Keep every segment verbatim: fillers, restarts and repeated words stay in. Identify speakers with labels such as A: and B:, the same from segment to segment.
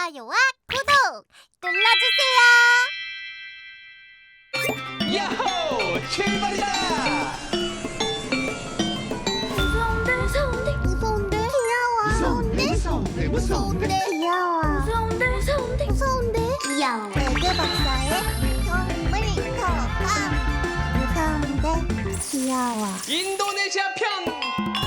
A: 좋아요와 구독 눌러주세요.
B: 야호! 출발이다!
A: 무서운데 무서운데 무서운데 귀여워 무서운데 무서운데 무서운데 귀여워 무서운데 무서운데 무서운데 귀여워 에그 박사의 동물 거감 무서운데 귀여워
B: 인도네시아 편!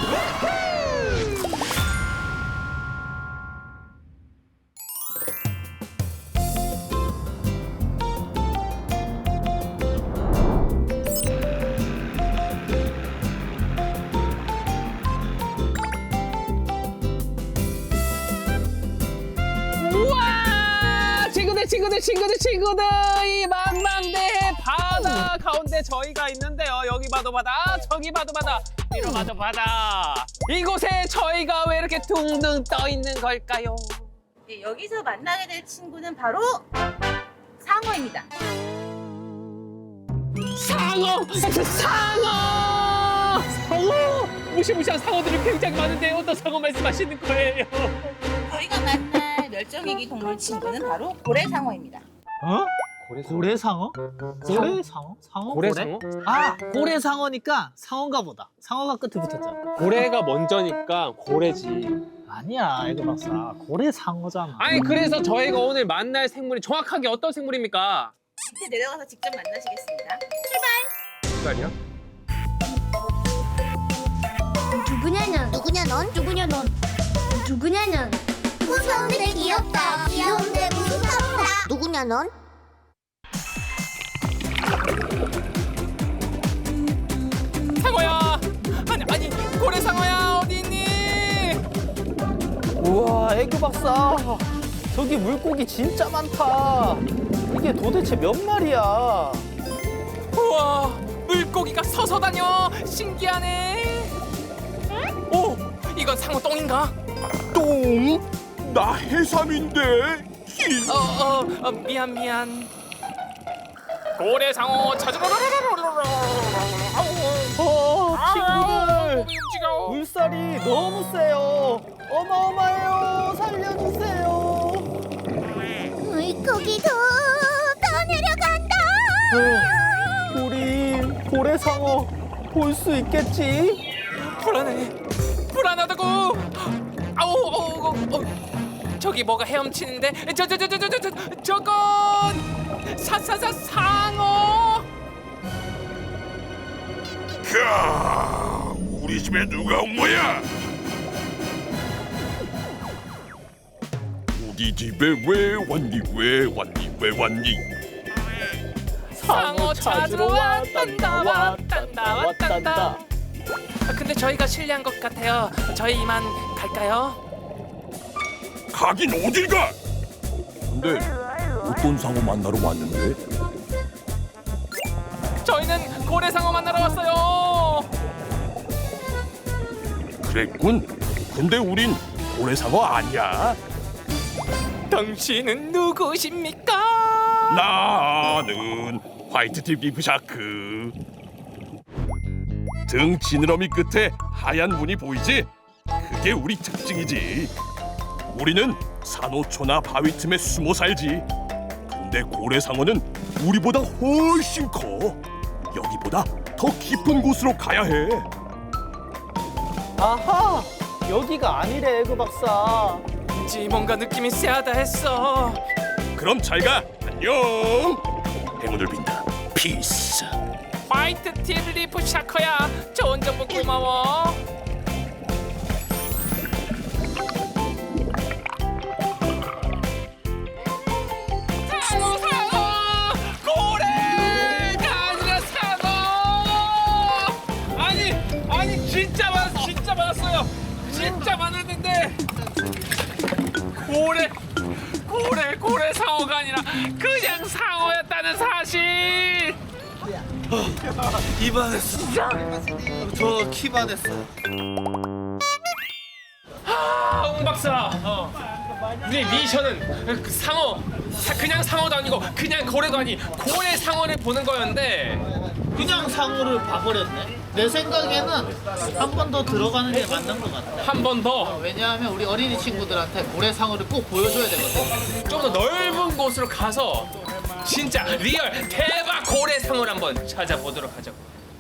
B: 우와! 친구들 친구들 친구들 친구들 이 망망대해 바다 가운데 저희가 있는데요. 여기 봐도 바다 저기 봐도 바다 뒤로 봐도 바다. 이곳에 저희가 왜 이렇게 둥둥 떠 있는 걸까요?
C: 네, 여기서 만나게 될 친구는 바로 상어입니다.
B: 상어! 상어! 상어! 무시무시한 상어들이 굉장히 많은데 어떤 상어 말씀하시는 거예요?
C: 저희가 만날 멸종위기 동물 친구는 바로 고래상어입니다.
D: 어? 고래상어? 고래상어? 상어?
B: 고래상어?
D: 아, 고래상어니까 상어인가 보다. 상어가 끝에 붙었잖아.
B: 고래가 먼저니까 고래지.
D: 아니야, 에그 박사. 고래상어잖아.
B: 아니 그래서 저희가 오늘 만날 생물이 정확하게 어떤 생물입니까?
C: 밑에 내려가서 직접 만나시겠습니다.
B: 출발이요?
A: 누구냐 넌 누구냐 넌 누구냐 넌 누구냐 넌 무서운데 귀엽다 귀여운데 무섭다 누구냐 넌
B: 상어야! 아니 아니 고래상어야 어디 있니?
D: 우와, 에그 박사. 저기 물고기 진짜 많다. 이게 도대체 몇 마리야?
B: 우와 물고기가 서서 다녀 신기하네. 오 이건 상어 똥인가?
E: 똥? 나 해삼인데. 히.
B: 어어 어, 어, 미안 미안. 고래상어 찾으러
D: 어, 친구들.
B: 움직여.
D: 물살이 너무 세요. 어마어마해요. 살려주세요.
A: 물고기도 더 내려간다
D: 어, 우리 고래상어 볼 수 있겠지?
B: 불안해 불안하다고. 아우 어, 어, 어. 저기 뭐가 헤엄치는데 저 저 저 저 저 저 저 저건 사사사 상어.
E: 캬, 우리 집에 누가 온 거야? 우리 집에 왜 왔니? 왜 왔니? 왜 왔니?
B: 상어 찾으러 왔단다 왔단다 왔단다. 아, 근데 저희가 실례한 것 같아요. 저희 이만 갈까요?
E: 가긴 어딜 가? 근데 어떤 상어 만나러 왔는데?
B: 저희는 고래상어 만나러 왔어요.
E: 그랬군. 근데 우린 고래상어 아니야.
B: 당신은 누구십니까?
E: 나는 화이트팁 리프샤크. 등 지느러미 끝에 하얀 무늬 보이지? 그게 우리 특징이지. 우리는 산호초나 바위 틈에 숨어 살지. 근데 고래상어는 우리보다 훨씬 커. 여기보다 더 깊은 곳으로 가야 해.
D: 아하, 여기가 아니래, 에그 박사.
B: 왠지 뭔가 느낌이 쎄하다 했어.
E: 그럼 잘 가. 안녕. 행운을 빈다. 피스.
B: 화이트 팁 리프 샤커야. 좋은 정보 고마워. 상어 상어 고래가 아니라 상어. 아니 아니 진짜 많 진짜 많았어요. 진짜 많았는데 고래 고래 고래 상어가 아니라 그냥 상어였다는 사실.
D: 이반했어. 저 키반했어.
B: 아, 웅 박사. 우리 미션은 그 상어, 사- 그냥 상어도 아니고 그냥 고래도 아니 고래 상어를 보는 거였는데
D: 그냥 상어를 봐버렸네. 내 생각에는 한 번 더 들어가는 게 맞는 것 같아.
B: 한 번 더.
D: 왜냐하면 우리 어린이 친구들한테 고래상어를 꼭 보여줘야 되거든.
B: 좀 더 넓은 곳으로 가서 진짜 리얼 대박 고래상어를 한번 찾아보도록 하자고.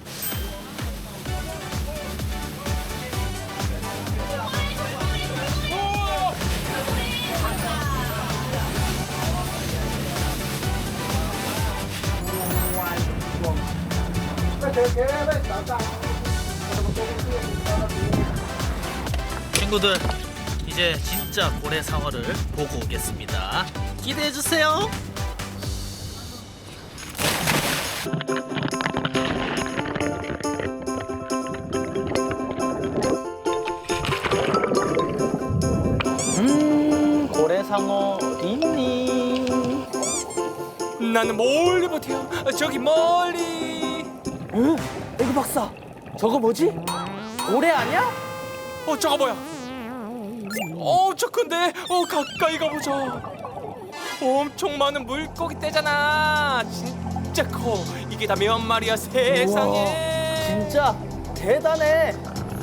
D: 친구들, 이제 진짜 고래상어를 보고 오겠습니다. 기대해 주세요. 음, 고래상어 어디 있니?
B: 나는 멀리 못해요. 저기 멀리.
D: 응? 에그 박사, 저거 뭐지? 고래 아니야?
B: 어 저거 뭐야? 엄청 큰데? 어 가까이 가보자. 엄청 많은 물고기 떼잖아. 진짜 커. 이게 다 몇 마리야 세상에.
D: 진짜 대단해.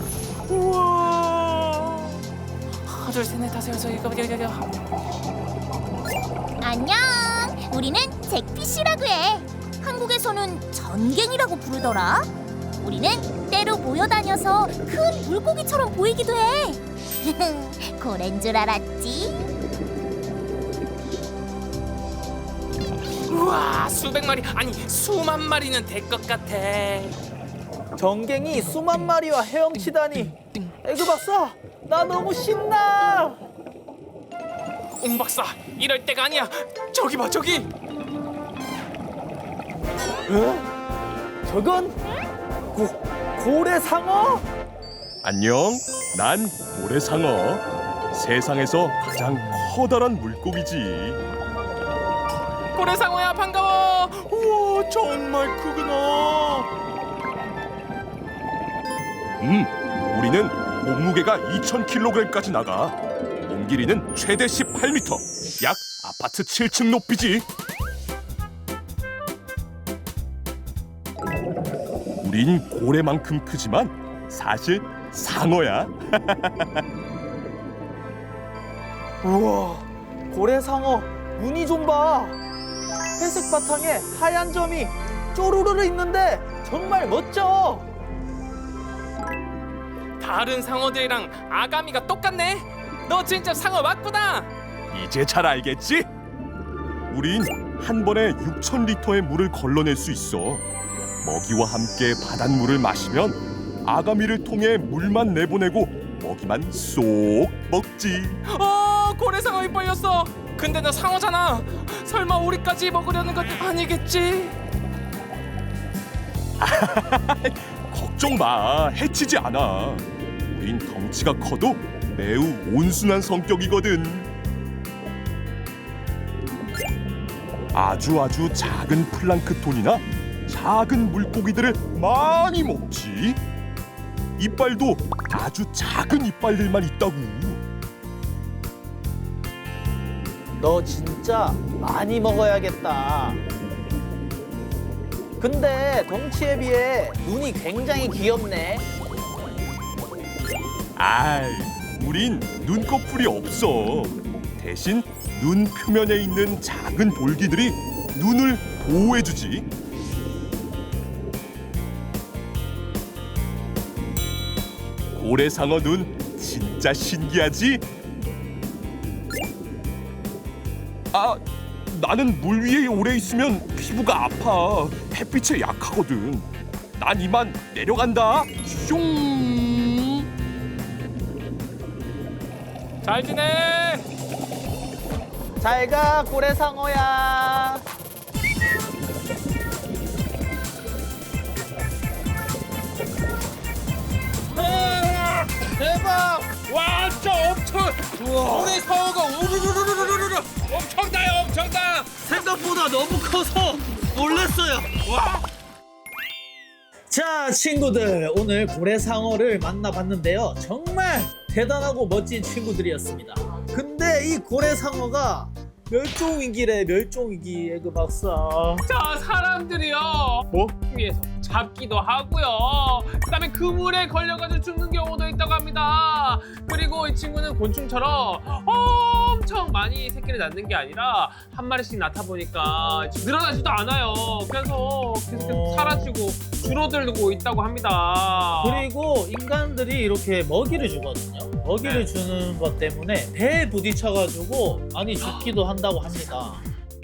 B: 우와. 하나 둘셋넷 다섯 여섯 일곱 여덟 여덟.
A: 안녕. 우리는 잭피쉬라고 해. 한국에서는 전갱이라고 부르더라. 우리는 때로 모여다녀서 큰 물고기처럼 보이기도 해. 고래인 줄 알았지?
B: 우와 수백 마리 아니 수만 마리는 될 것 같아.
D: 전갱이 수만 마리와 헤엄치다니. 에그 박사, 나 너무 신나.
B: 웅 박사 이럴 때가 아니야. 저기 봐 저기.
D: 에? 저건 고, 고래상어?
E: 안녕. 난 고래상어. 세상에서 가장 커다란 물고기지.
B: 고래상어야 반가워. 우와 정말 크구나.
E: 음, 우리는 몸무게가 이천 킬로그램까지 나가. 몸 길이는 최대 십팔 미터. 약 아파트 칠 층 높이지. 우린 고래만큼 크지만 사실 상어야.
D: 우와, 고래상어 무늬 좀 봐. 회색 바탕에 하얀 점이 쪼르르르 있는데 정말 멋져.
B: 다른 상어들이랑 아가미가 똑같네. 너 진짜 상어 맞구나.
E: 이제 잘 알겠지? 우린 한 번에 육천 리터의 물을 걸러낼 수 있어. 먹이와 함께 바닷물을 마시면 아가미를 통해 물만 내보내고 먹이만 쏙 먹지.
B: 어 고래상어 입 벌렸어. 근데 너 상어잖아. 설마 우리까지 먹으려는 건 아니겠지?
E: 걱정 마, 해치지 않아. 우린 덩치가 커도 매우 온순한 성격이거든. 아주 아주 작은 플랑크톤이나 작은 물고기들을 많이 먹지. 이빨도 아주 작은 이빨들만 있다고.
D: 너 진짜 많이 먹어야겠다. 근데 덩치에 비해 눈이 굉장히 귀엽네.
E: 아이, 우린 눈꺼풀이 없어. 대신 눈 표면에 있는 작은 볼기들이 눈을 보호해주지. 고래상어 눈 진짜 신기하지? 아, 나는 물 위에 오래 있으면 피부가 아파. 햇빛에 약하거든. 난 이만 내려간다. 슝.
B: 잘 지내.
D: 잘 가, 고래상어야. 대박!
B: 와 진짜 엄청. 고래상어가 우르르르르르르 엄청나요 엄청나.
D: 생각보다 너무 커서 놀랐어요.
B: 와.
D: 자, 친구들, 오늘 고래상어를 만나봤는데요. 정말 대단하고 멋진 친구들이었습니다. 근데 이 고래상어가 멸종위기래, 멸종위기. 에그 박사.
B: 자 사람들이요. 뭐? 위에서 잡기도 하고요. 그다음에 그물에 걸려가지고 죽는 경우도 있다고 합니다. 그리고 이 친구는 곤충처럼 엄청 많이 새끼를 낳는 게 아니라 한 마리씩 낳다 보니까 늘어나지도 않아요. 그래서 계속
D: 어.
B: 사라지고 줄어들고 있다고 합니다.
D: 그리고 인간들이 이렇게 먹이를 주거든요. 먹이를
B: 네.
D: 주는 것 때문에 배에 부딪혀가지고 많이 죽기도 한다고 합니다.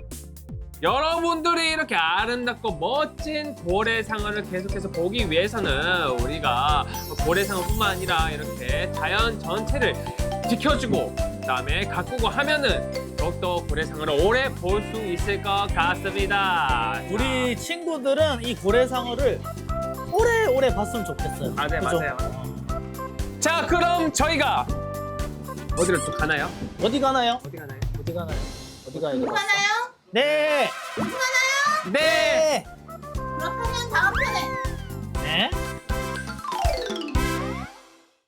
B: 여러분들이 이렇게 아름답고 멋진 고래상어를 계속해서 보기 위해서는 우리가 고래상어뿐만 아니라 이렇게 자연 전체를 지켜주고 그다음에 가꾸고 하면은 더욱더 고래상어를 오래 볼 수 있을 것 같습니다.
D: 우리 친구들은 이 고래상어를 오래오래 봤으면 좋겠어요.
B: 아, 네,
D: 그죠?
B: 맞아요. 자, 그럼 저희가 어디로 또 가나요?
D: 어디 가나요?
B: 어디 가나요?
D: 어디 가나요? 어디 가요?
C: 하나요?
D: 네.
B: 네.
D: 네.
C: 그렇다면 다음 편에
D: 네.